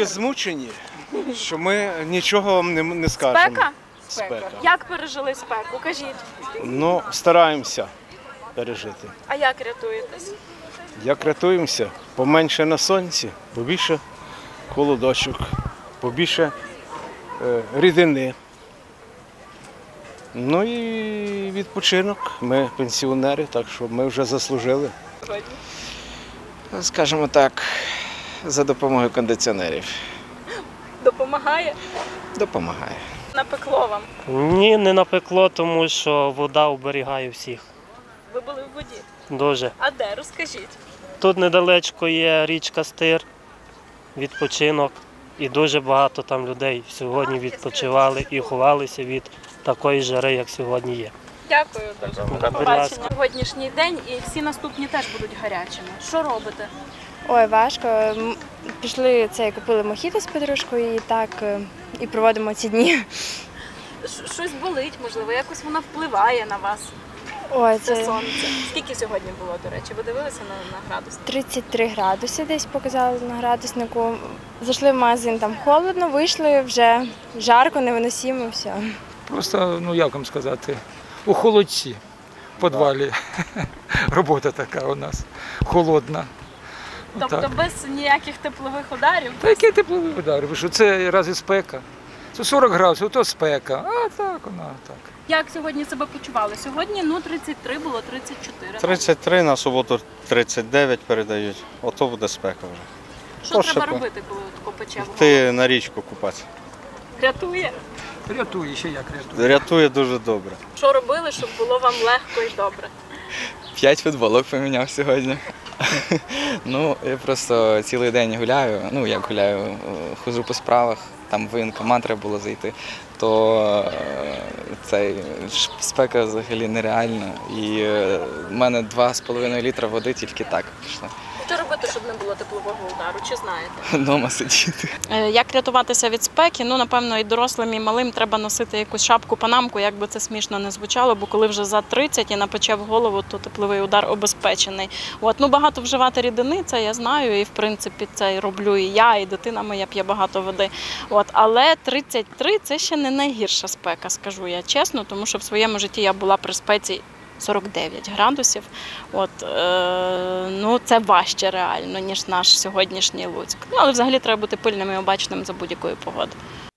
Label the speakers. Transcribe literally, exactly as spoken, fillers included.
Speaker 1: настільки змучені, що ми нічого вам не, не скажемо.
Speaker 2: Спека?
Speaker 1: Спека.
Speaker 2: Як пережили спеку? Кажіть.
Speaker 1: Ну, стараємося пережити.
Speaker 2: А як рятуєтесь?
Speaker 1: Як рятуємося? Поменше на сонці, побільше холодочок, побільше е, рідини. Ну і відпочинок. Ми пенсіонери, так що ми вже заслужили.
Speaker 3: Скажімо так, за допомогою кондиціонерів.
Speaker 2: Допомагає?
Speaker 3: Допомагає.
Speaker 2: Напекло вам.
Speaker 4: Ні, не напекло, тому що вода оберігає всіх.
Speaker 2: Ви були в воді.
Speaker 4: Дуже.
Speaker 2: А де? Розкажіть.
Speaker 4: Тут недалечко є річка Стир, відпочинок. І дуже багато там людей сьогодні відпочивали і ховалися від такої жари, як сьогодні є.
Speaker 2: Дякую дуже. До
Speaker 4: Будь
Speaker 2: побачення.
Speaker 4: ласка.
Speaker 2: Сьогоднішній день і всі наступні теж будуть гарячими. Що робите?
Speaker 5: Ой, важко. М, Пішли це, купили мохіто з подружкою і так е, і проводимо ці дні.
Speaker 2: Щ- Щось болить, можливо, якось воно впливає на вас.
Speaker 5: Ой,
Speaker 2: Це
Speaker 5: це
Speaker 2: сонце. Скільки сьогодні було, до речі? Ви дивилися на, на градус?
Speaker 5: тридцять три градуси десь показали на градуснику. Зайшли в магазин, там холодно, вийшли, вже жарко, невиносимо, все.
Speaker 6: Просто, ну як вам сказати, у холодці, в підвалі. Робота така у нас, холодна.
Speaker 2: Тобто
Speaker 6: Отак.
Speaker 2: без ніяких теплових ударів?
Speaker 6: Та який тепловий удар? Ви що, це разві спека? Це сорок градусів, то спека, а так вона так.
Speaker 2: Як сьогодні себе почували? Сьогодні ну тридцять три, було тридцять чотири.
Speaker 7: тридцять три, на суботу тридцять дев'ять передають. Ото буде спека вже.
Speaker 2: Що
Speaker 7: то
Speaker 2: треба
Speaker 7: ще
Speaker 2: робити, коли тако пече в голову?
Speaker 7: Ти на річку купатися.
Speaker 2: Рятує?
Speaker 6: Рятує, ще як рятує.
Speaker 7: Рятує дуже добре.
Speaker 2: Що робили, щоб було вам легко і добре?
Speaker 3: П'ять футболок поміняв сьогодні. Ну, я просто цілий день гуляю, ну як гуляю, е, ходжу по справах, там в воєнкомат треба було зайти, то е, цей ш- спека взагалі нереальна. І е, в мене два з половиною літра води тільки так пішло.
Speaker 2: Що робити, щоб не було теплового удару? Чи знаєте?
Speaker 3: Дома сидіти.
Speaker 8: Е, Як рятуватися від спеки? Ну, напевно, і дорослим, і малим треба носити якусь шапку, панамку, як би це смішно не звучало, бо коли вже за тридцять і напече в голову, то тепловий удар обезпечений. От, ну, багато вживати рідини, це я знаю, і в принципі це і роблю і я, і дитина моя п'є багато води. От, але тридцять три – це ще не найгірша спека, скажу я чесно, тому що в своєму житті я була при спеці сорок дев'ять градусів. От, е, ну, це важче реально, ніж наш сьогоднішній Луцьк. Ну, але взагалі треба бути пильним і обачним за будь-якої погоди.